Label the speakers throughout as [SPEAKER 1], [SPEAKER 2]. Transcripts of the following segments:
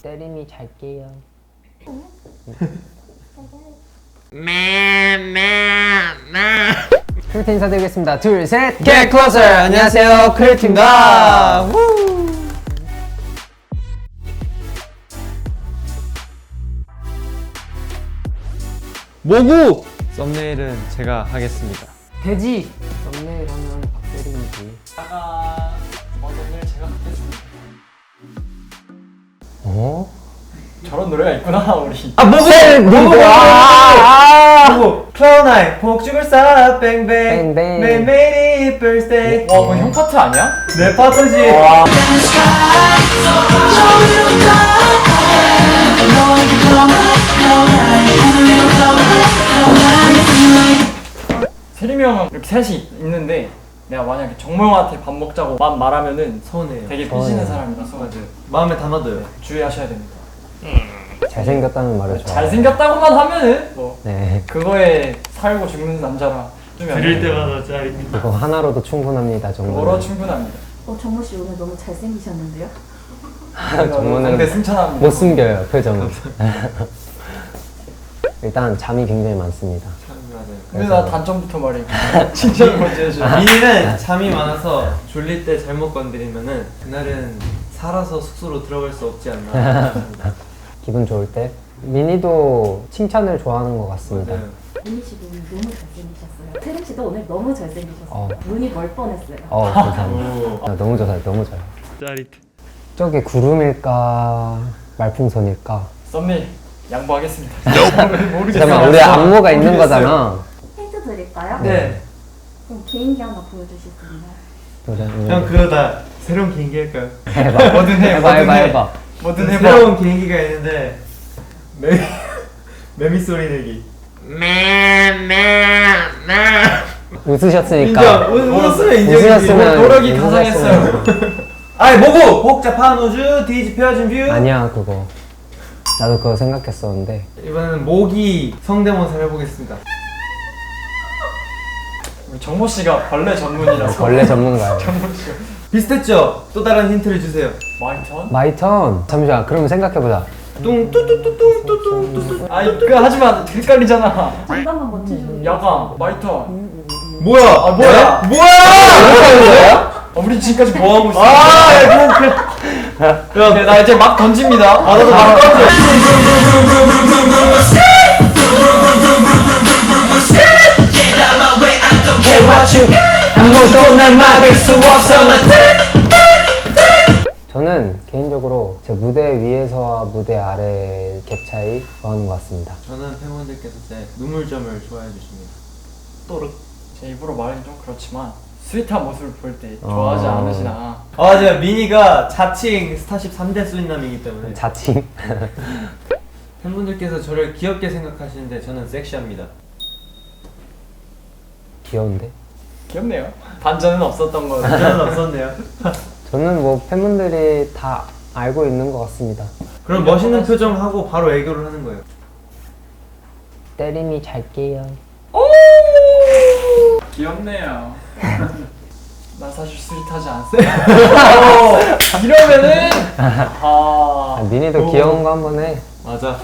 [SPEAKER 1] 때림이 잘게요. 크리에이트 인사드리겠습니다. 둘, 셋!
[SPEAKER 2] Get Closer! 안녕하세요, 크리에이트입니다. 모구! 썸네일은 제가 하겠습니다.
[SPEAKER 1] 돼지! 썸네일 하면 박대림이지.
[SPEAKER 2] 썸네일 제가 하겠습니다.
[SPEAKER 1] 어?
[SPEAKER 2] 저런 노래가 있구나, 우리.
[SPEAKER 1] 모구!
[SPEAKER 2] 모구! 클라운 아이, 폭죽을 쏴, 뱅뱅.
[SPEAKER 1] 뱅뱅.
[SPEAKER 2] 메리 birthday.
[SPEAKER 3] 와, 그건 형 파트 아니야?
[SPEAKER 2] 내 파트지.
[SPEAKER 3] 세림이 형은 이렇게 셋이 있는데 내가 만약에 정모형한테 밥 먹자고만 말하면은
[SPEAKER 2] 서운해요.
[SPEAKER 3] 되게
[SPEAKER 1] 서운해요.
[SPEAKER 3] 삐지는 사람이라서
[SPEAKER 2] 맞아요. 마음에 담아둬요.
[SPEAKER 3] 주의하셔야 됩니다.
[SPEAKER 1] 잘생겼다는 말을 좋아해요.
[SPEAKER 3] 잘생겼다고만 하면은 뭐
[SPEAKER 1] 네.
[SPEAKER 3] 그거에 살고 죽는 남자라
[SPEAKER 2] 들을 때마다 짜릿.
[SPEAKER 1] 그거 하나로도 충분합니다, 정말.
[SPEAKER 3] 그거로 충분합니다.
[SPEAKER 4] 정모 씨 오늘 너무 잘생기셨는데요?
[SPEAKER 1] 정모는
[SPEAKER 3] 근데 승천합니다.
[SPEAKER 1] 못 숨겨요, 표정을. 일단 잠이 굉장히 많습니다.
[SPEAKER 2] 맞아요.
[SPEAKER 3] 근데 나 단점부터 말해. 진짜 먼저 해줘.
[SPEAKER 2] 민이는 잠이 많아서 졸릴 때 잘못 건드리면은 그날은 살아서 숙소로 들어갈 수 없지 않나.
[SPEAKER 1] 기분 좋을 때. 미니도 칭찬을 좋아하는 것 같습니다.
[SPEAKER 2] 맞아요.
[SPEAKER 4] 민희 씨도 오늘 너무 잘생기셨어요. 세림 씨도 오늘 너무 잘생기셨어요. 눈이 멀 뻔했어요.
[SPEAKER 1] 감사합니다.
[SPEAKER 2] 오.
[SPEAKER 1] 너무 좋아요, 너무 좋아요.
[SPEAKER 2] 짜릿.
[SPEAKER 1] 저게 구름일까, 말풍선일까?
[SPEAKER 3] 썸네일 양보하겠습니다. 모르겠어요.
[SPEAKER 1] 잠깐만, 우리 안무가 있는 거잖아.
[SPEAKER 4] 힌트 드릴까요?
[SPEAKER 2] 네.
[SPEAKER 4] 그럼 개인기 하나 보여주실 수 있나요?
[SPEAKER 2] 형 그거다. 새로운 개인기 할까요?
[SPEAKER 1] 해봐.
[SPEAKER 3] 뭐든 해,
[SPEAKER 1] 해봐,
[SPEAKER 3] 뭐든
[SPEAKER 1] 해봐,
[SPEAKER 3] 해.
[SPEAKER 1] 해봐.
[SPEAKER 3] 뭐든 해봐.
[SPEAKER 2] 새로운 개인기가 있는데 매미 소리 내기.
[SPEAKER 1] 웃으셨으니까.
[SPEAKER 2] 웃으면
[SPEAKER 1] 웃으셨으면
[SPEAKER 3] 노력이
[SPEAKER 1] 웃으셨으면-
[SPEAKER 3] 가상했어요.
[SPEAKER 2] 아이 뭐고 복잡한 우주 뒤집혀진 뷰.
[SPEAKER 1] 아니야, 그거. 나도 그거 생각했었는데.
[SPEAKER 2] 이번에는 모기 성대모사를 해보겠습니다.
[SPEAKER 3] 우리 정모 씨가 벌레 전문이라서.
[SPEAKER 1] 벌레 전문가예요.
[SPEAKER 3] 정모 씨가
[SPEAKER 2] 비슷했죠? 또 다른 힌트를 주세요.
[SPEAKER 3] 마이 턴?
[SPEAKER 1] 마이 턴. 잠시만, 그러면 생각해보자.
[SPEAKER 2] 뚱뚜뚜뚜뚱뚜뚱뚜.
[SPEAKER 3] 아이 그거 하지마. 헷갈리잖아.
[SPEAKER 4] 정답만 맞추시면
[SPEAKER 3] 야광 마이 턴.
[SPEAKER 2] 뭐야?
[SPEAKER 3] 아 뭐야?
[SPEAKER 2] 뭐야?
[SPEAKER 3] 우리 지금까지 뭐 하고 있어?
[SPEAKER 2] 야,
[SPEAKER 3] 나 이제 막 던집니다.
[SPEAKER 2] 나도 막 던져.
[SPEAKER 1] 아무도 날 막을 수 없어. 저는 개인적으로 제 무대 위에서와 무대 아래 갭 차이 좋아하는 것 같습니다.
[SPEAKER 2] 저는 팬분들께서 제 눈물점을 좋아해 주십니다. 또르.
[SPEAKER 3] 제 입으로 말하기 좀 그렇지만 스윗한 모습을 볼 때 좋아하지 않으시나.
[SPEAKER 2] 맞아요. 미니가 자칭 스타쉽 3대 수인남이기 때문에
[SPEAKER 1] 자칭.
[SPEAKER 2] 팬분들께서 저를 귀엽게 생각하시는데 저는 섹시합니다.
[SPEAKER 1] 귀여운데?
[SPEAKER 3] 귀엽네요. 반전은 없었던 거.
[SPEAKER 2] 저는 없었네요.
[SPEAKER 1] 저는 뭐 팬분들이 다 알고 있는 것 같습니다.
[SPEAKER 2] 그럼 멋있는 표정 하고 바로 애교를 하는 거예요.
[SPEAKER 1] 때림이 잘게요.
[SPEAKER 3] 귀엽네요. 난 사실 스윗하지 않습니다. 이러면은
[SPEAKER 1] 미니도 귀여운 거 한번 해.
[SPEAKER 2] 맞아.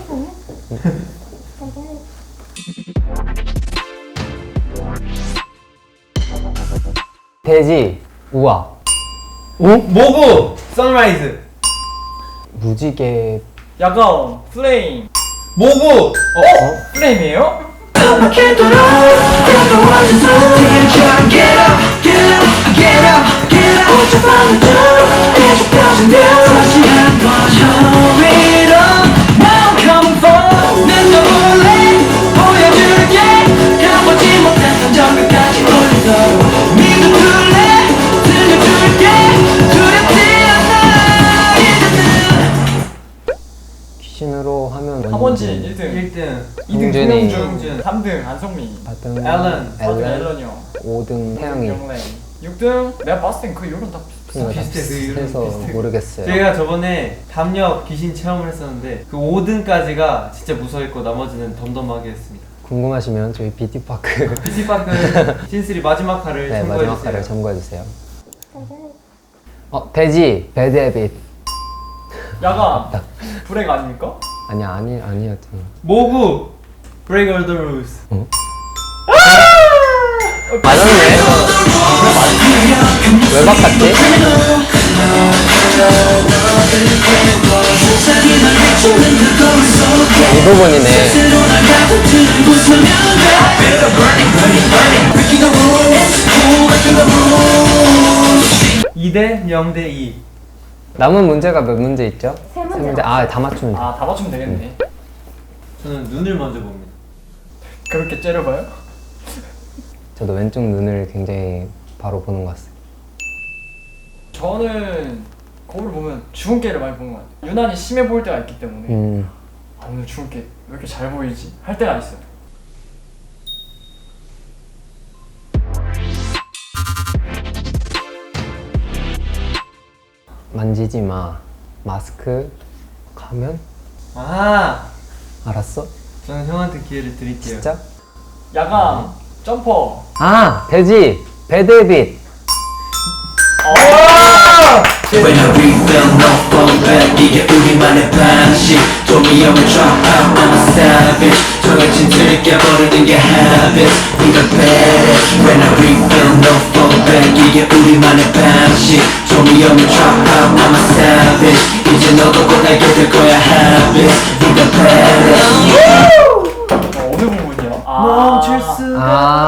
[SPEAKER 1] 돼지, 우아,
[SPEAKER 2] 모구 선라이즈.
[SPEAKER 1] 무지개.
[SPEAKER 3] 야광 플레임.
[SPEAKER 2] 모구
[SPEAKER 3] 플레임이에요?
[SPEAKER 1] 귀신으로 하면
[SPEAKER 3] 하원진 1등,
[SPEAKER 2] 1등
[SPEAKER 3] 2등
[SPEAKER 1] 동준이.
[SPEAKER 3] 송영준, 3등 안성민,
[SPEAKER 1] 4등
[SPEAKER 2] 앨런.
[SPEAKER 3] 4등
[SPEAKER 1] 앨런,
[SPEAKER 3] 앨런 형,
[SPEAKER 1] 5등 태양이.
[SPEAKER 3] 영래, 6등 내가 봤을 땐 그 이유는 다
[SPEAKER 1] 비슷해서 모르겠어요.
[SPEAKER 2] 제가 저번에 담력 귀신 체험을 했었는데 그 5등까지가 진짜 무서워했고 나머지는 덤덤하게 했습니다.
[SPEAKER 1] 궁금하시면 저희 비티파크
[SPEAKER 2] 피지파크 신스리 마지막 화를
[SPEAKER 1] 네,
[SPEAKER 2] 참고해주세요.
[SPEAKER 1] 마지막 화를 참고해주세요. 돼지, 배드헤빗.
[SPEAKER 3] 야가 브레이크 아닙니까?
[SPEAKER 1] 아니었잖아.
[SPEAKER 2] 모구 Break all the rules.
[SPEAKER 1] 맞았네. 왜 바꿨지? 이 부분이네.
[SPEAKER 2] 2대 0대 2.
[SPEAKER 1] 남은 문제가 몇 문제 있죠?
[SPEAKER 4] 세 문제
[SPEAKER 1] 문제. 아, 다 맞추면 돼.
[SPEAKER 3] 아, 다 맞추면 되겠네.
[SPEAKER 2] 저는 눈을 먼저 봅니다.
[SPEAKER 3] 그렇게 째려봐요?
[SPEAKER 1] 저도 왼쪽 눈을 굉장히 바로 보는 것 같아요.
[SPEAKER 3] 저는 거울 보면 주근깨를 많이 보는 것 같아요. 유난히 심해 보일 때가 있기 때문에 아, 오늘 주근깨 왜 이렇게 잘 보이지? 할 때가 있어요.
[SPEAKER 1] 만지지 마. 마스크, 가면?
[SPEAKER 2] 아,
[SPEAKER 1] 알았어?
[SPEAKER 2] 저는 형한테 기회를 드릴게요.
[SPEAKER 1] 진짜?
[SPEAKER 3] 야간 점퍼.
[SPEAKER 1] 아, 돼지! 배드빗!
[SPEAKER 5] When I refill, no fall back 이게 우리만의 방식 도미형을 drop out, I'm a savage 정해진 틀을 깨버리는 게 habit We the baddest When I refill, no fall back 이게 우리만의 방식 도미형을 drop out, I'm a savage 이제 너도 곧 알게 될 거야 habit We the baddest
[SPEAKER 3] 어느 부분이야?
[SPEAKER 2] 멈출 수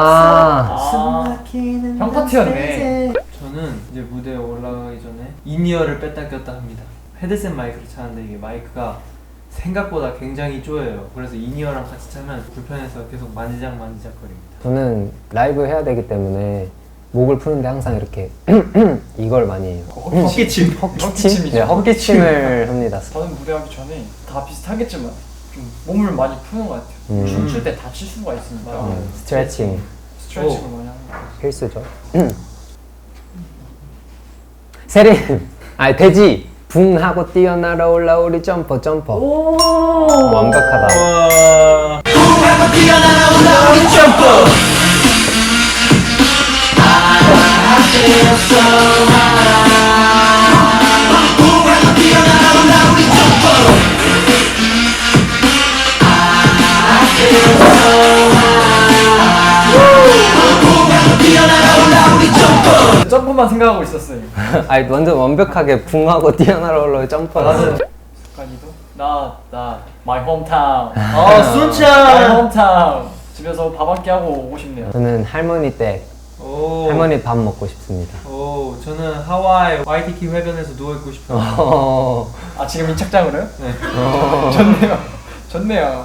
[SPEAKER 3] 형 파트였네.
[SPEAKER 2] 저는 이제 무대에 올라가기 전에 인이어를 뺐다 꼈다 합니다. 헤드셋 마이크를 차는데 이게 마이크가 생각보다 굉장히 쪼여요. 그래서 인이어랑 같이 차면 불편해서 계속 만지작거립니다.
[SPEAKER 1] 저는 라이브 해야 되기 때문에 목을 푸는데 항상 이렇게 이걸 많이 해요.
[SPEAKER 2] 헛기침.
[SPEAKER 3] 헛기침이죠.
[SPEAKER 1] 네, 헛기침을 합니다.
[SPEAKER 3] 저는 무대하기 전에 다 비슷하겠지만 좀 몸을 많이 푸는 것 같아요. 춤출 때 다칠 수가 있으니까
[SPEAKER 1] 스트레칭
[SPEAKER 3] 스트레칭을 많이 하는 것 같아요.
[SPEAKER 1] 필수죠. 세린! 아니 돼지! 붕 하고 뛰어날아 올라 우리 점퍼
[SPEAKER 4] 오.
[SPEAKER 1] 완벽하다.
[SPEAKER 2] 와.
[SPEAKER 3] 점프만 생각하고 있었어요.
[SPEAKER 1] 아니 완전 완벽하게 붕 하고 뛰어날아 올라 우리 점퍼.
[SPEAKER 3] 습관이도 나 my hometown.
[SPEAKER 2] 아,
[SPEAKER 3] my
[SPEAKER 2] 순찬.
[SPEAKER 3] hometown. 집에서 밥 한 끼 하고 오고 싶네요.
[SPEAKER 1] 저는 할머니 댁
[SPEAKER 2] 오.
[SPEAKER 1] 할머니 밥 먹고 싶습니다.
[SPEAKER 2] 오, 저는 하와이 와이키키 해변에서 누워 있고 싶어요.
[SPEAKER 3] 아 지금 이 착장으로요?
[SPEAKER 2] 네.
[SPEAKER 3] 좋네요. 좋네요.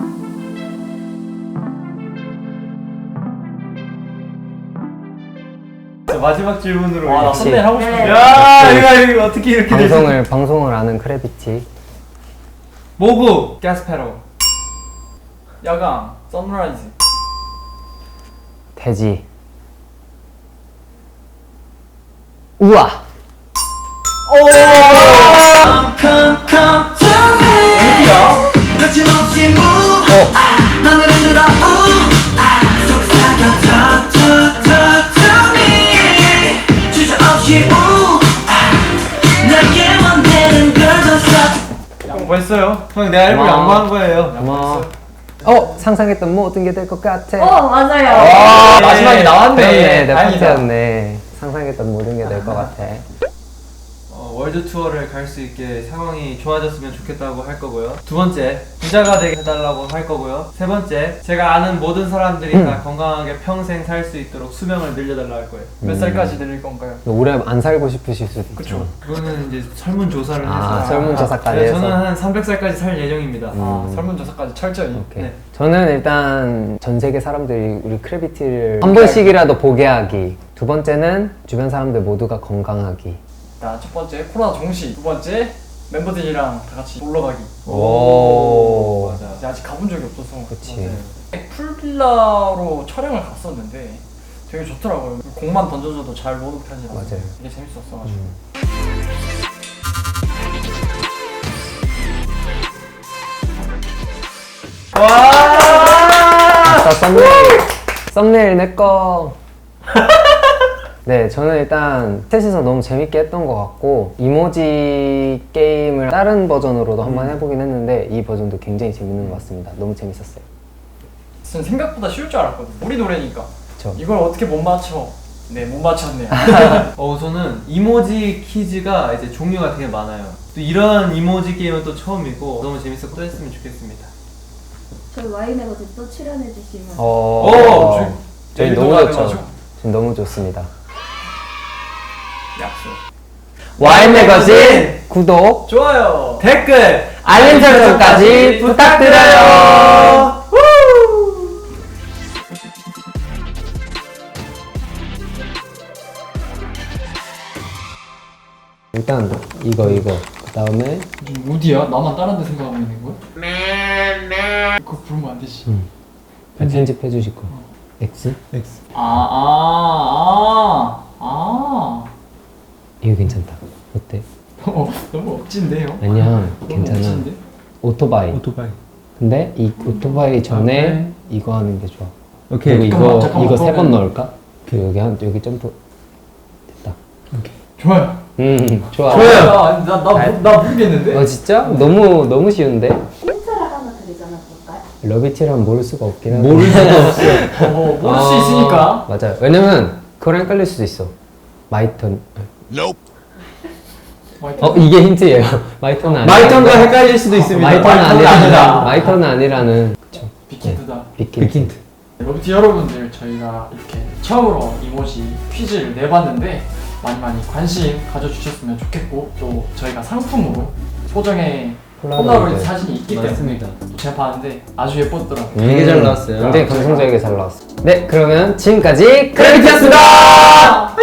[SPEAKER 2] 자, 마지막 질문으로.
[SPEAKER 3] 와, 나
[SPEAKER 1] 역시.
[SPEAKER 3] 썸네일 하고 싶은데.
[SPEAKER 2] 야, 이거 어떻게 이렇게 되지?
[SPEAKER 1] 방송을 아는 크래비티.
[SPEAKER 2] 모구 가스페로.
[SPEAKER 3] 야광 선라이즈.
[SPEAKER 1] 돼지. 우와.
[SPEAKER 5] 거침없이 move 하늘을 들어 속삭여 to me 주저없이 내게 원되는 걸더 써
[SPEAKER 3] 양보했어요.
[SPEAKER 2] 형, 내 알고
[SPEAKER 1] 고마워.
[SPEAKER 2] 양보한 거예요.
[SPEAKER 1] 고마워. 상상했던 모든 게 될 것 같아.
[SPEAKER 4] 맞아요.
[SPEAKER 3] 아, 마지막에 나왔네.
[SPEAKER 1] 그렇네, 내
[SPEAKER 3] 다행이다.
[SPEAKER 1] 파트였네. 상상했던 모든 게 될 것 같아.
[SPEAKER 2] 월드 투어를 갈 수 있게 상황이 좋아졌으면 좋겠다고 할 거고요. 두 번째, 부자가 되게 해달라고 할 거고요. 세 번째, 제가 아는 모든 사람들이 다 건강하게 평생 살 수 있도록 수명을 늘려달라 할 거예요.
[SPEAKER 3] 몇 살까지 늘릴 건가요?
[SPEAKER 1] 오래 안 살고 싶으실 수도 있죠.
[SPEAKER 3] 그쵸.
[SPEAKER 2] 그거는 이제 설문조사를
[SPEAKER 1] 아,
[SPEAKER 2] 해서.
[SPEAKER 1] 설문조사까지
[SPEAKER 2] 네,
[SPEAKER 1] 해서.
[SPEAKER 2] 저는 한 300살까지 살 예정입니다.
[SPEAKER 3] 아, 설문조사까지 철저히.
[SPEAKER 1] 오케이.
[SPEAKER 2] 네.
[SPEAKER 1] 저는 일단 전 세계 사람들이 우리 크래비티를 한 번씩이라도 보게 하기. 두 번째는 주변 사람들 모두가 건강하기.
[SPEAKER 3] 자, 첫 번째 코로나 종식. 두 번째 멤버들이랑 다 같이 놀러 가기.
[SPEAKER 1] 오.
[SPEAKER 2] 맞아.
[SPEAKER 3] 근데 아직 가본 적이 없어서.
[SPEAKER 1] 그치.
[SPEAKER 3] 풀빌라로 촬영을 갔었는데 되게 좋더라고요. 공만 던져줘도 잘 노는 편이라서
[SPEAKER 1] 맞아요.
[SPEAKER 3] 되게 재밌었어가지고.
[SPEAKER 1] 아싸, 썸네일. 썸네일 내 거. 네, 저는 일단 셋이서 너무 재밌게 했던 것 같고 이모지 게임을 다른 버전으로도 한번 해보긴 했는데 이 버전도 굉장히 재밌는 것 같습니다. 너무 재밌었어요.
[SPEAKER 3] 저는 생각보다 쉬울 줄 알았거든. 우리 노래니까.
[SPEAKER 1] 그쵸.
[SPEAKER 3] 이걸 어떻게 못 맞춰? 네, 못 맞췄네요.
[SPEAKER 2] 저는 이모지 퀴즈가 이제 종류가 되게 많아요. 또 이런 이모지 게임은 또 처음이고 너무 재밌었고 또 했으면 좋겠습니다.
[SPEAKER 4] 저희 와인에 거또 출연해 주시면
[SPEAKER 1] 저희
[SPEAKER 3] 내일도
[SPEAKER 1] 너무
[SPEAKER 3] 가능하죠?
[SPEAKER 1] 좋죠. 지금 너무 좋습니다.
[SPEAKER 3] 약속.
[SPEAKER 1] 와인 매거진 구독,
[SPEAKER 3] 좋아요.
[SPEAKER 2] 댓글
[SPEAKER 1] 알림 설정까지 부탁드려요. 일단 이거 그 다음에
[SPEAKER 3] 지금 어디야? 나만 다른 데 생각하고 있는 거야? 그거 부르면 안 되지.
[SPEAKER 1] 편집해 주실 거. X? 이거 괜찮다. 어때?
[SPEAKER 3] 너무 억진데요?
[SPEAKER 1] 아니야,
[SPEAKER 3] 너무
[SPEAKER 1] 괜찮아.
[SPEAKER 3] 억진데?
[SPEAKER 1] 오토바이. 근데 이 오토바이 전에 이거 하는 게 좋아.
[SPEAKER 6] 오케이.
[SPEAKER 1] 그리고
[SPEAKER 3] 잠깐만,
[SPEAKER 1] 이거 세 번
[SPEAKER 3] 그러면-
[SPEAKER 1] 넣을까? 여기 점프. 됐다.
[SPEAKER 3] 좋아요.
[SPEAKER 1] 좋아.
[SPEAKER 3] 나 모르겠는데?
[SPEAKER 1] 진짜? 너무 쉬운데?
[SPEAKER 4] 힌트를 하나 드리자면 볼까요?
[SPEAKER 1] 러비티랑 모를 수가 없긴 하고.
[SPEAKER 6] 모를 수가 없어요.
[SPEAKER 3] 모를 수 있으니까.
[SPEAKER 1] 맞아요. 왜냐면 그거랑 헷갈릴 수도 있어. 마이턴. 이게 힌트예요. 마이턴은 아니라.
[SPEAKER 6] 마이턴과 헷갈릴 수도 있습니다.
[SPEAKER 1] 마이턴은
[SPEAKER 3] 마이턴은
[SPEAKER 1] 아니라는.
[SPEAKER 3] 아니다.
[SPEAKER 1] 마이턴은 아니라는. 그쵸.
[SPEAKER 3] 빅힌트다.
[SPEAKER 1] 빅힌트.
[SPEAKER 3] 러브티 여러분들, 저희가 이렇게 처음으로 이모지 퀴즈를 내봤는데 많이 관심 가져주셨으면 좋겠고, 또 저희가 상품으로 소정의 폴라로이드 사진이 있기
[SPEAKER 6] 맞습니다.
[SPEAKER 3] 때문에 또 제가 봤는데 아주 예뻤더라고요.
[SPEAKER 6] 되게 잘 나왔어요.
[SPEAKER 1] 굉장히 감성적이게 잘 나왔어. 네, 그러면 지금까지 크래비티였습니다.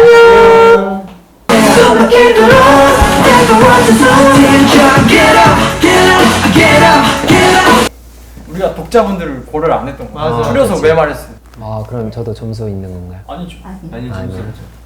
[SPEAKER 3] 우리가 독자분들을 고려를 안 했던 거예요.
[SPEAKER 2] 맞아.
[SPEAKER 3] 줄여서
[SPEAKER 1] 그치.
[SPEAKER 3] 왜 말했어요?
[SPEAKER 1] 그럼 저도 점수 있는 건가요?
[SPEAKER 3] 아니죠.
[SPEAKER 4] 아니.
[SPEAKER 2] 아니
[SPEAKER 1] 아니요.
[SPEAKER 2] 점수